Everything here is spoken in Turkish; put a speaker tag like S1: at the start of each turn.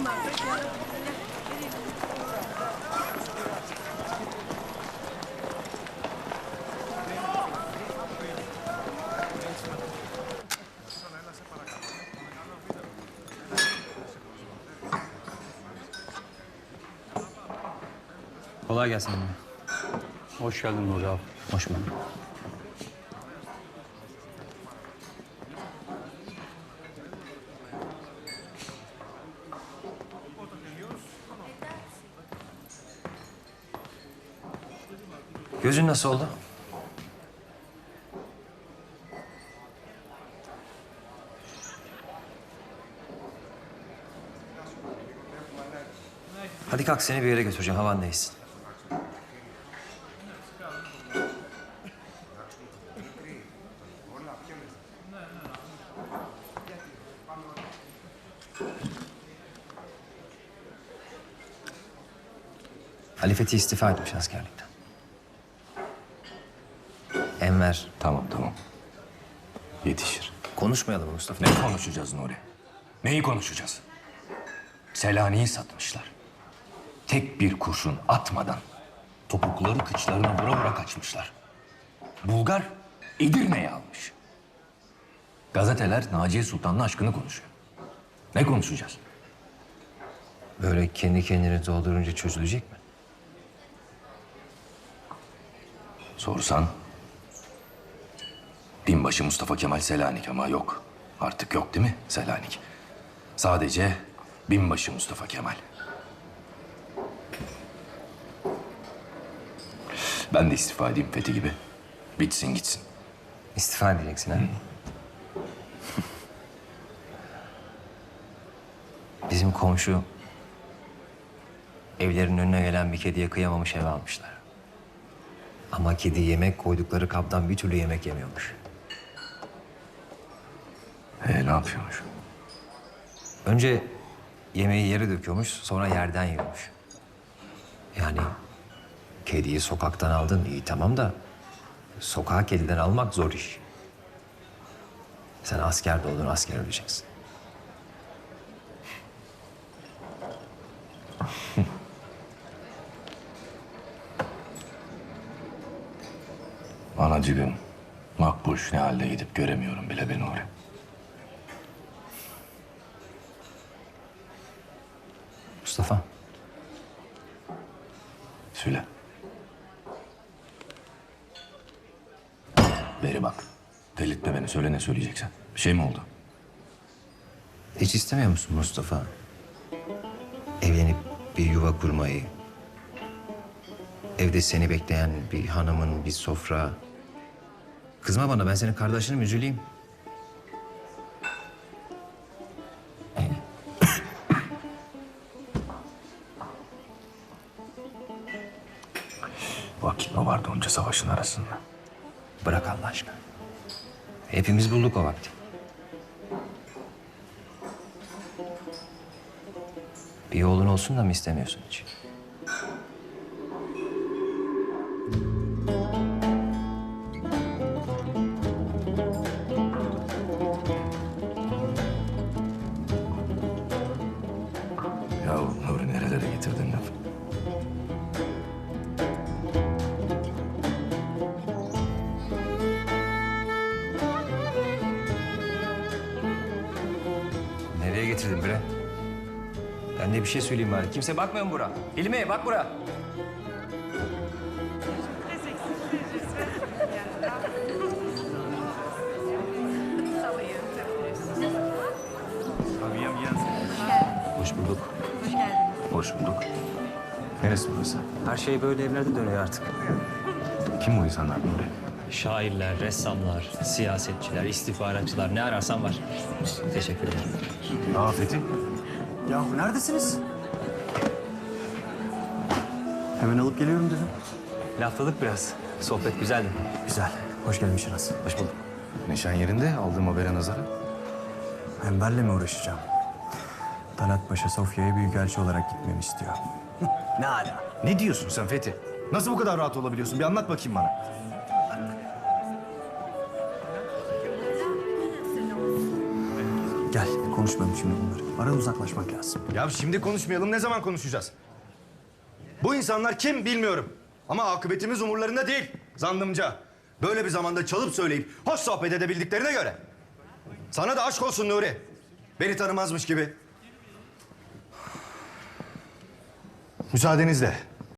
S1: Kolay gelsin anne.
S2: Hoş geldin Nuri abi.
S1: Hoş bulduk. Gözün nasıl oldu? Hadi kalk, seni bir yere götüreceğim. Havan değilsin. Ali Fethi istifa etmiş askerlikten. Enver.
S3: Tamam. Yetişir.
S1: Konuşmayalım mı Mustafa?
S3: Ne konuşacağız Nuri? Neyi konuşacağız? Selanik'i satmışlar. Tek bir kurşun atmadan topukları kıçlarına vura kaçmışlar. Bulgar Edirne'yi almış. Gazeteler Naciye Sultan'ın aşkını konuşuyor. Ne konuşacağız?
S1: Böyle kendi kendini doldurunca çözülecek mi?
S3: Sorsan binbaşı Mustafa Kemal Selanik ama yok. Artık yok değil mi Selanik? Sadece binbaşı Mustafa Kemal. Ben de istifa edeyim Fethi gibi. Bitsin gitsin.
S1: İstifa edeceksin ha? Bizim komşu evlerin önüne gelen bir kediye kıyamamış, eve almışlar. Ama kedi yemek koydukları kaptan bir türlü yemek yemiyormuş.
S3: Ne yapıyormuş?
S1: Önce yemeği yere döküyormuş, sonra yerden yiyormuş. Yani kediyi sokaktan aldın, iyi tamam da sokağa kediden almak zor iş. Sen asker de oldun, asker öleceksin.
S3: Anacığım, Makbuş ne halde gidip göremiyorum bile beni oraya.
S1: Mustafa.
S3: Söyle. Beri bak. Delirtme beni. Söyle ne söyleyeceksen. Bir şey mi oldu?
S1: Hiç istemiyor musun Mustafa? Evlenip bir yuva kurmayı. Evde seni bekleyen bir hanımın, bir sofra. Kızma bana, ben senin kardeşinim, üzüleyim.
S3: Vakit mi vardı onca savaşın arasında?
S1: Bırak Allah aşkına. Hepimiz bulduk o vakti. Bir oğlun olsun da mı istemiyorsun hiç?
S3: Ya Nuri nerelere getirdin lafı?
S1: Nereye getirdin bre? Ben de bir şey söyleyeyim bari. Kimse bakmıyor mu bura? İlmi bak bura. Hoş bulduk.
S4: Hoş geldiniz.
S3: Hoş bulduk. Neresi burası?
S1: Her şey böyle evlerde dönüyor artık.
S3: Kim bu insanlar Nuri?
S5: Şairler, ressamlar, siyasetçiler, istihbaratçılar ne ararsan var.
S1: Teşekkür ederim.
S3: Aa Fethi.
S2: Yahu neredesiniz? Hemen alıp geliyorum dedim.
S1: Lafladık biraz. Sohbet güzeldi.
S2: Güzel. Hoş gelmişsiniz.
S1: Hoş bulduk.
S3: Neşen yerinde aldığım habere nazara.
S2: Enver'le mi uğraşacağım? Talat Paşa Sofya'ya büyükelçi olarak gitmemi istiyor.
S6: Ne ala? Ne diyorsun sen Fethi? Nasıl bu kadar rahat olabiliyorsun? Bir anlat bakayım bana.
S2: Gel konuşmayalım şimdi bunları. Aradan uzaklaşmak lazım.
S6: Ya şimdi konuşmayalım, ne zaman konuşacağız? Bu insanlar kim bilmiyorum. Ama akıbetimiz umurlarında değil, zannımca. Böyle bir zamanda çalıp söyleyip hoş sohbet edebildiklerine göre. Sana da aşk olsun Nuri. Beni tanımazmış gibi. Müsaadenizle.